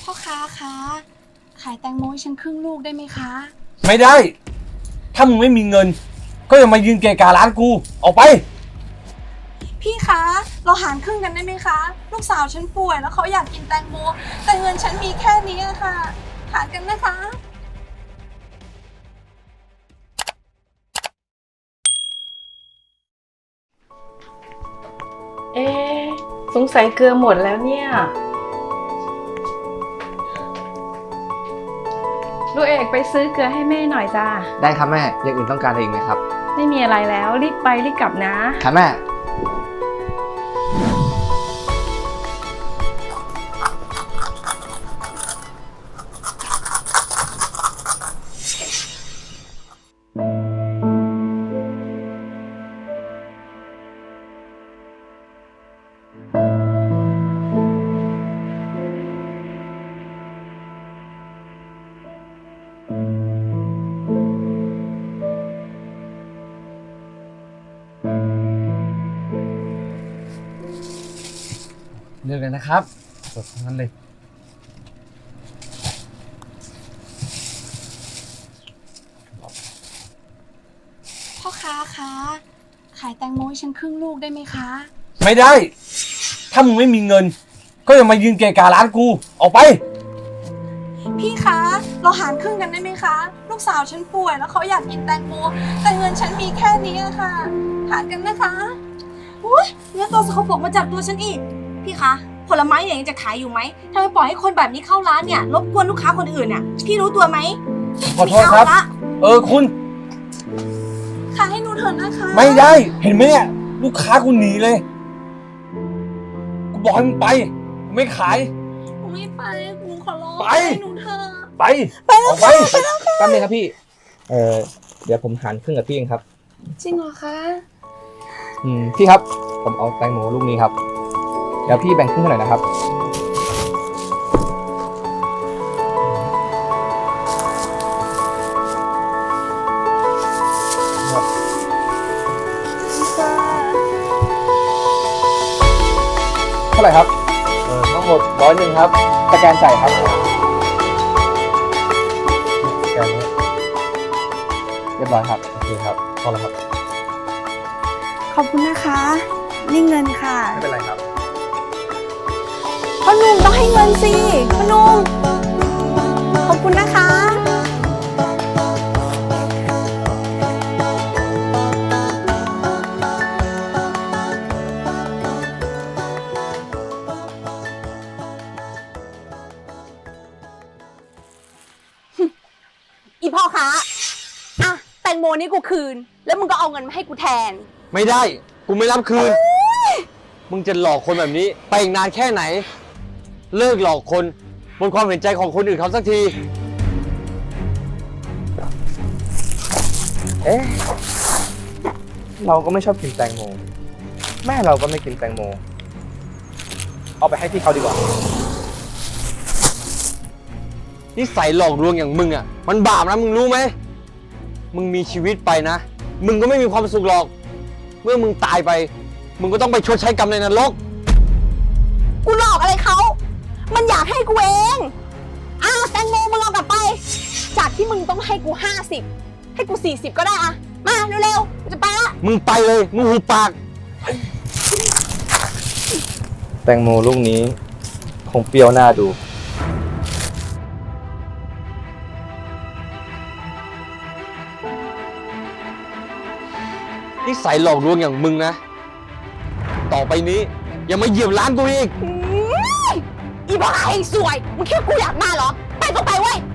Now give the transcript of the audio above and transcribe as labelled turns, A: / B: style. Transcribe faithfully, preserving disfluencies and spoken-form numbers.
A: พ่อค้าคะขายแตงโมให้ฉันครึ่งลูกได้ไหมคะ
B: ไม่ได้ถ้ามึงไม่มีเงินก็อย่ามายืนเกะกะร้านกูออกไป
A: พี่คะเราหารครึ่งกันได้ไหมคะลูกสาวฉันป่วยแล้วเขาอยากกินแตงโมแต่เงินฉันมีแค่นี้ค่ะหารกันนะคะ
C: เอ๊ะสงสัยเกลือหมดแล้วเนี่ยลูกเอกไปซื้อเกลือให้แม่หน่อยจ้า
D: ได้ครับแม่อย่างอื่นต้องการอะไรอีกไหมครับ
C: ไม่มีอะไรแล้วรีบไปรีบกลับนะครับ
D: แม่
B: เลือกเลยนะครับสดทั้งนั้นเลย
A: พ่อค้าคะขายแตงโมให้ฉันครึ่งลูกได้ไหมคะ
B: ไม่ได้ถ้ามึงไม่มีเงินก็อย่ามายืนเกะกะร้านกูออกไป
A: พี่คะเราหารครึ่งกันได้ไหมคะลูกสาวฉันป่วยแล้วเขาอยากกินแตงโมแต่เงินฉันมีแค่นี้ค่ะหารกันนะคะ
E: อุ้ยเนื้อตัวสกปรกมาจับตัวฉันอีกพี่คะผลไม้เนี่ยยังจะขายอยู่ไหมทำไมปล่อยให้คนแบบนี้เข้าร้านเนี่ยรบกวนลูกค้าคนอื่นเนี่ยพี่รู้ตัวไหม
B: ขอโทษครับเออคุณ
A: ขายให้หนูเถอะนะคะ
B: ไม่ได้เห็นไหมเนี่ยลูกค้ากูหนีเลยกูบอกให้มึงไปกูไม่ขาย
A: หนูไม่ไปหนูขอร้อง
B: ไป
A: ให้หนูเถอะ
B: ไป
A: ไปแล้วค่ะไปแล้วค่ะ
D: แป๊บนึงครับพี่เออเดี๋ยวผมหารครึ่งกับพี่เองครับ
A: จริงเหรอคะ
D: อืมพี่ครับผมเอาแตงโมลูกนี้ครับเดี๋ยวพี่แบ่งครึ่งให้หน่อยนะครับเท่าไหร่ครับเออทั้งหมดร้อยหนึ่งครับสแกนจ่ายครับสแกนเรียบร้อยครับโอเคครับพอแล้วครับ
A: ขอบคุณนะคะนี่เงินค่ะ
D: ไม่เป็นไรครับ
A: พ่อหนุ่มต้องให้เงินสิพ่อหนุ่มขอบคุณนะคะ
E: อีพ่อค้าอ่ะแตงโมนี่กูคืนแล้วมึงก็เอาเงินมาให้กูแทน
B: ไม่ได้กูไม่รับคืนมึงจะหลอกคนแบบนี้ไปอีกนานแค่ไหนเลิกหลอกคนบนความเห็นใจของคนอื่นเขาสักที
D: เอ๊ะเราก็ไม่ชอบกินแตงโมแม่เราก็ไม่กินแตงโมเอาไปให้พี่เขาดีกว่า
B: นิสัยหลอกลวงอย่างมึงอ่ะมันบาปนะมึงรู้ไหมมึงมีชีวิตไปนะมึงก็ไม่มีความสุขหรอกเมื่อมึงตายไปมึงก็ต้องไปชดใช้กรรมในนรก
E: กูหลอกอะไรเขามันอยากให้กูเองอ่ะแตงโมมึงเอากลับไปจากที่มึงต้องให้กูห้าสิบให้กูสี่สิบก็ได้อะมาเร็วๆกูจะไปละ
B: มึงไปเลยมึงหูปาก
D: แตงโมลูกนี้คงเปรี้ยวหน้าดู
B: นิสัยหลอกลวงอย่างมึงนะต่อไปนี้อย่ามาเหยียบร้านกูอีก
E: อีบ้าไอ้สวยมึงคิดว่ากูอยากมาเหรอไปก็ไปเว้ย